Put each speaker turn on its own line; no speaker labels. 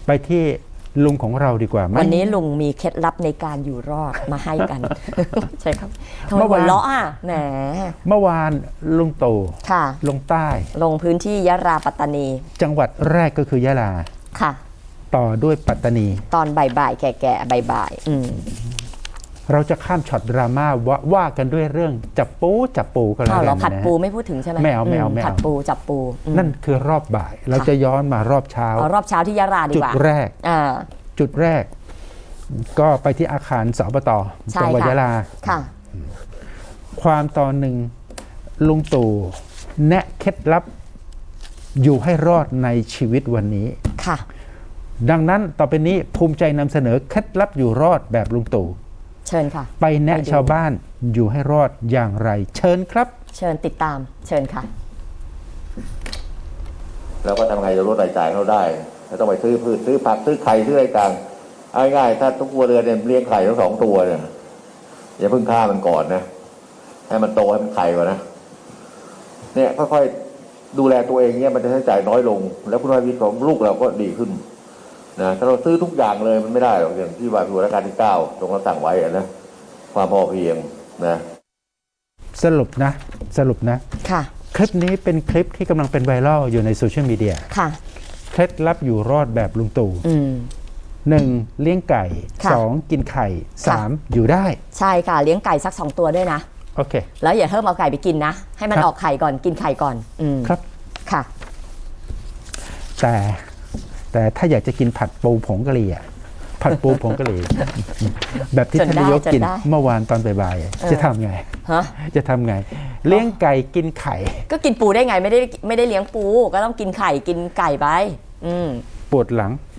ไปที่ลุงของเราดีกว่า
วันนี้ลุงมีเคล็ดลับในการอยู่รอดมาให้กัน ใช่ครับทำไมหัวเราะอ่ะแหม
เมื่อวานลุงตู่
ค่ะ
ลงใต้
ลงพื้นที่ยะลาปัตตานี จั
งหวัดแรกก็คือยะลา
ค่ะ
ต่อด้วยปัตตานี
ตอนบ่ายๆแก่ๆบ่าย
เราจะข้ามช็อตดราม่าว่ากันด้วยเรื่องจับปูก็แล้วกันนะ
ผัดปูไม่พูดถึงใช่ไหม
ไม่เอา
ผัดปูจับปู
นั่นคือรอบบ่ายเราจะย้อนมารอบเช้าร
อบเช้าที่ยะลาดีกว่า
จุดแรกก็ไปที่อาคารสปต.จังหวัดยะลาความตอนหนึ่งลุงตู่แนะเคล็ดลับอยู่ให้รอดในชีวิตวันนี้
ค่ะ
ดังนั้นต่อไปนี้ภูมิใจนำเสนอเคล็ดลับอยู่รอดแบบลุงตู่
เชิญค่ะ
ไปแนะชาวบ้านอยู่ให้รอดอย่างไรเชิญครับ
เชิญติดตามเชิญค่ะ
แล้วก็ทำไงจะลดรายจ่ายเขาได้ไม่ต้องไปซื้อพืชซื้อผักซื้อไข่ซื้ออะไรต่างง่ายๆถ้าทุกครัวเรือนเนี่ยเลี้ยงไข่ทั้ง2 ตัวเนี่ยอย่าเพิ่งฆ่ามันก่อนนะให้มันโตให้มันไข่ก่อนนะเนี่ยค่อยๆดูแลตัวเองเนี่ยมันจะใช้จ่ายน้อยลงแล้วคุณภาพชีวิตของลูกเราก็ดีขึ้นนะถ้าเราซื้อทุกอย่างเลยมันไม่ได้หรอกอย่างที่ว่าพิธีรัชกาลที่9ตรงเราสั่งไว้นะความพอเพียงนะ
สรุปนะ
ค่ะ
คลิปนี้เป็นคลิปที่กำลังเป็นไวรัลอยู่ในโซเชียลมีเดีย
ค่ะ
เคล็ดลับอยู่รอดแบบลุงตู่1. เลี้ยงไก่ 2. กินไข่ 3. อยู่ได้
ใช่ค่ะเลี้ยงไก่สัก2 ตัวด้วยนะ
โอเค
แล้วอย่าเพิ่มเอาไก่ไปกินนะให้มันออกไข่ก่อนกินไข่ก่อน
ครับ
ค่ะ
แต่ถ้าอยากจะกินผัดปูผงกะหรี่ผัดปูผงกะหรี่แบบที่ท่านนายกกินเมื่อวานตอนบ่ายๆจะทำไงจะทำไงเลี้ยงไก่กินไข่
ก็กินปูได้ไงไม่ได้เลี้ยงปูก็ต้องกินไข่กินไก่ไป
ปวดหลัง